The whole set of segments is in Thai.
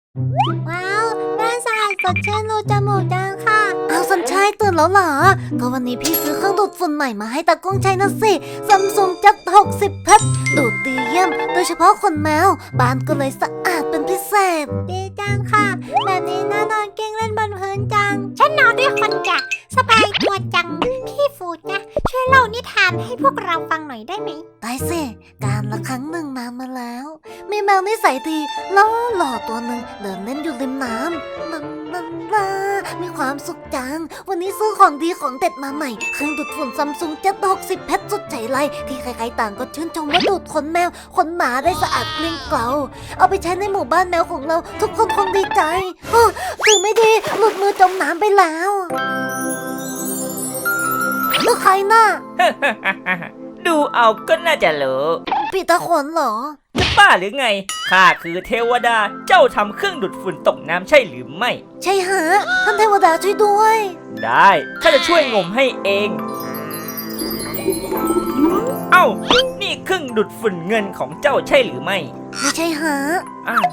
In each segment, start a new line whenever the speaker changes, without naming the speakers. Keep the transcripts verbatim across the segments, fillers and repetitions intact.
ว้าวน่าสะอาดสดชื่นรูจมูกจังค่ะ
เอาสัญชัยตื่นแล้วเหรอก็วันนี้พี่ซื้อเครื่องดูดฝุ่นใหม่มาให้ตากล้องใช้นะสิซัมซุงจัดหกสิบพัดดูดดีเยี่ยมโดยเฉพาะขนแมวบ้านก็เลยสะอาดเป็นพิเศษ
ดีจังค่ะแบบนี้น่านอนเก่งเล่นบนพื้นจังฉันนอนด้วยคนจ้ะสบายตัวจังพี่ฟูดนะช่วยเล่านิทานให้พวกเราฟังหน่อยได้ไหม
ได้สิการละครั้งหนึ่งนานมาแล้วมีแมวนิสัยดีล้อหล่อตัวหนึ่งเดินเล่นอยู่ริมน้ำลันลันลามีความสุขจังวันนี้ซื้อของดีของเด็ดมาใหม่เครื่องดูดฝุ่นซัมซุงเจ็ดหกสิบเพชรสุดใจไรที่ใครๆต่างก็ชื่นชมว่าดูดขนแมวขนหมาได้สะอาดเกลี้ยงเกลาเอาไปใช้ในหมู่บ้านแมวของเราทุกคนคงดีใจถึงไม่ดีหลุดมือจมน้ำไปแล้วแล้วใครน่ะ
ดูเอาก็น่าจะรู้
ปีตาขนเหรอ
จะบ้าหรือไงข้าคือเทวดาเจ้าทำเครื่องดูดฝุ่นตกน้ำใช่หรือไม่
ใช่ฮะท่านเทวดาช่วยด้วย
ได้ข้าจะช่วยงมให้เองเอ้านี่เครื่องดูดฝุ่นเงินของเจ้าใช่หรือไม่
ไม่ใช่ฮะ
อ้าว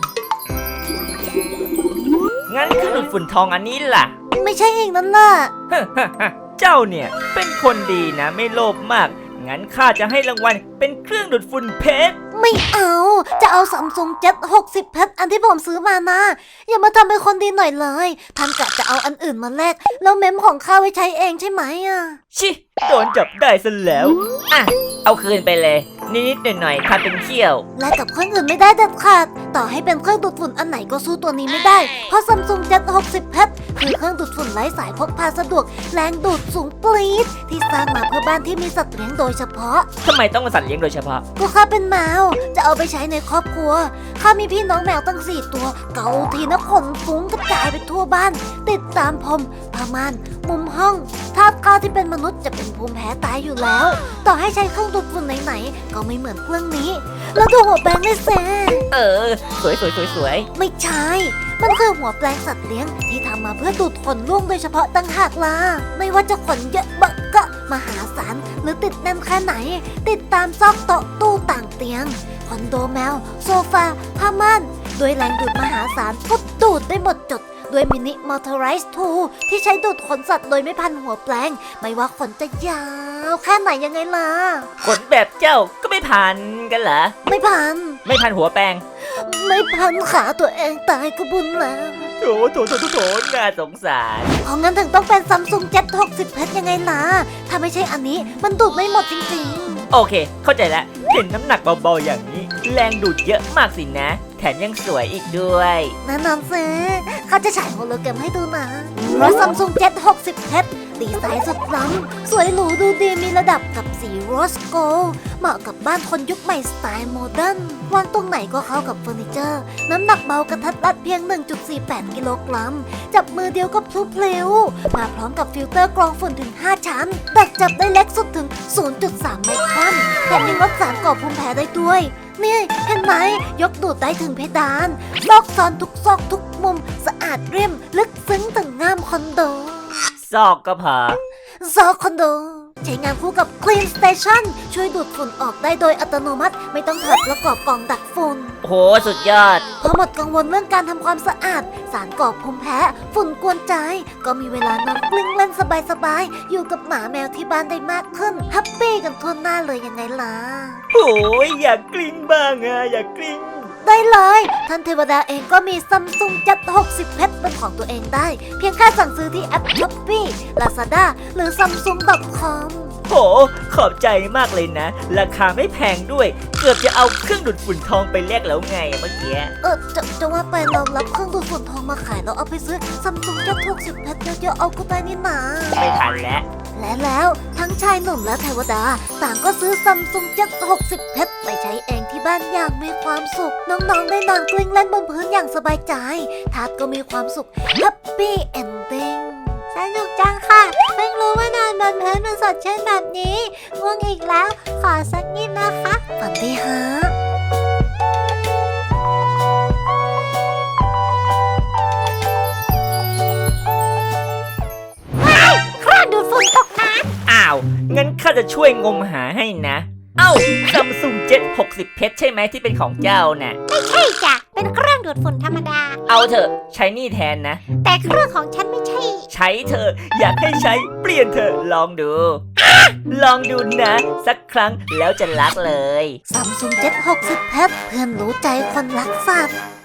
งั้นเครื่องดูดฝุ่นทองอันนี้ล่ะ
ไม่ใช่เองนั่นล่ะ
เจ้าเนี่ยเป็นคนดีนะไม่โลภมากงั้นข้าจะให้รางวัลเป็นเครื่องดูดฝุ่นเพชร
ไม่เอาจะเอาซัมซุงเจ็ดหกสิบเพชรอันที่ผมซื้อมานะอย่ามาทำเป็นคนดีหน่อยเลยท่านกะจะเอาอันอื่นมาแลกแล้วเมมของข้าไว้ใช้เองใช่ไหมอ่ะ
ชิโดนจับได้ซะแล้วอ่ะเอาคืนไปเลยนิดๆหน่อยๆทำเป็นเขี้ยว
แลกกับเครื่องอื่นไม่ได้เด็ดขาดต่อให้เป็นเครื่องดูดฝุ่นอันไหนก็สู้ตัวนี้ไม่ได้เพราะซัมซุงเจ็ดหกสิบเพชรคือเครื่องดูดฝุ่นไร้สายพกพาสะดวกแรงดูดสูงปรี๊ดที่สร้างมาเพื่อบ้านที่มีสัตว์เลี้ยงโดยเฉพาะ
ทำไมต้องเป็นสัตว์เลี้ยงโดยเฉพาะ
ก็ข้าเป็นแมวจะเอาไปใช้ในครอบครัวข้ามีพี่น้องแมวตั้งสี่ตัวเกาทีนะขนฟุ้งกระจายไปทั่วบ้านติดตามพรมผ้าม่านมุมห้องถ้าข้าที่เป็นมนุษย์จะเป็นภูมิแพ้ตายอยู่แล้วต่อให้ใช้เครื่องดูดฝุ่นไหนๆก็ไม่เหมือนเครื่องนี้แล้วดูหัวแปรงได้แซ่
เออสวยสวยสวยสวย
ไม่ใช่มันคือหัวแปรงสัตว์เลี้ยงที่ทำมาเพื่อดูดขนร่วงโดยเฉพาะตั้งหากล่ะไม่ว่าจะขนเยอะบักกะมหาศาลหรือติดแน่นแค่ไหนติดตามซอกโต๊ะตู้ต่างเตียงคอนโดแมวโซฟาผ้าม่านด้วยแรงดูดมหาศาลก็ดูดได้หมดจดด้วยมินิมอเตอร์ไรส์ทูที่ใช้ดูดขนสัตว์โดยไม่พันหัวแปลงไม่ว่าขนจะยาวแค่ไหนยังไงล่ะ
ขนแบบเจ้าก็ไม่พันกันเหรอ
ไม่พัน
ไม่พันหัวแปลง
ไม่พันขาตัวเองตายก็บุญแล้ว
โถโถโถโถโถน่าสงสาร
เพราะงั้นถึงต้องเป็นซัมซุงเจ็ดหกสิบเพชรยังไงล่ะถ้าไม่ใช่อันนี้มันดูดไม่หมดจริง
ๆโอเคเข้าใจแล้วเห็นน้ำหนักเบาๆอย่างนี้แรงดูดเยอะมากสินะแถมยังสวยอีกด้วย
แน่นอนสิเขาจะฉายโฮโลแกรมให้ดูนะรถซัมซุงเจ็ดหกสิบเพชรดีไซน์สุดล้ำสวยหรูดูดีมีระดับกับสีโรสโกลเหมาะกับบ้านคนยุคใหม่สไตล์โมเดิร์นวางตรงไหนก็เข้ากับเฟอร์นิเจอร์น้ำหนักเบากระทัดรัดเพียง หนึ่งจุดสี่แปด กิโลกรัมจับมือเดียวก็พลุเพลวมาพร้อมกับฟิลเตอร์กรองฝุ่นถึงห้าชั้นดักจับได้เล็กสุดถึง ศูนย์จุดสาม ไมครอนแถมยังลดสารก่อภูมิแพ้ได้ด้วยนี่เห็นไหมยกดูดได้ถึงเพดานซอกซอนทุกซอกทุกมุมสะอาดเรียมลึกซึ้งถึงงามคอนโด
ซอกก็พอ
ซอกคอนโดใช้งานคู่กับ Clean Station ช่วยดูดฝุ่นออกได้โดยอัตโนมัติไม่ต้องถอดประกอบกล่องดักฝุ่น
โหสุดยอด
พอหมดกังวลเรื่องการทำความสะอาดสารก่อภูมิแพ้ฝุ่นกวนใจก็มีเวลานอนกลิ้งเล่นสบายๆอยู่กับหมาแมวที่บ้านได้มากขึ้นแฮปปี้กันทั่วหน้าเลยยังไงล่ะ
โหยอยากกลิ้งบ้างอะอยากกลิ้ง
ได้เลยท่านเทวดาเองก็มีซัมซุงจัดหกสิบเพชรเป็นของตัวเองได้เพียงแค่สั่งซื้อที่แอป Shopee Lazada หรือ ซัมซุง ดอท คอม
โหขอบใจมากเลยนะราคาไม่แพงด้วยเกือบจะเอาเครื่องดูดฝุ่นทองไปแลกแล้วไงเมื่อกี้
เออจะจะว่าไปเรารับเครื่องดูดฝุ่นทองมาขายแล้วเอาไปซื้อซัมซุงจัดหกสิบเพชรเยอะๆเอาก็ได้นี่นา
ไม่ทันแล้ว
และแล้วทั้งชายหนุ่มและเทวดาต่างก็ซื้อซัมซุงเจ็ดหกสิบเพชรไปใช้เองที่บ้านอย่างมีความสุขน้องๆได้นอนกลิ้งเล่นบนพื้นอย่างสบายใจทาสก็มีความสุขแฮปปี้เอนดิ้ง
สนุกจังค่ะเพิ่งรู้ว่านอนบนพื้นมันสดชื่นแบบนี้ง่วงอีกแล้วขอสักนิดนะคะ
ฝันดีฮะ
ดูดฝุ่นตกน้ำ
อ้าวงั้นข้าจะช่วยงมหาให้นะเอ้า Samsung เจ็ด หกสิบ เพชรใช่ไหมที่เป็นของเจ้าน่ะ
ไม่ใช่จ้ะเป็นเครื่องดูดฝุ่นธรรมดา
เอาเถอะใช้นี่แทนนะ
แต่เครื่องของฉันไม่ใช่
ใช้เถอะอยากให้ใช้เปลี่ยนเถอะลองดู ลองดูนะ สักครั้งแล้วจะรักเลย
ซัมซุงเจ็ดหกสิบเพชรเพื่อนรู้ใจคนรักสัตว์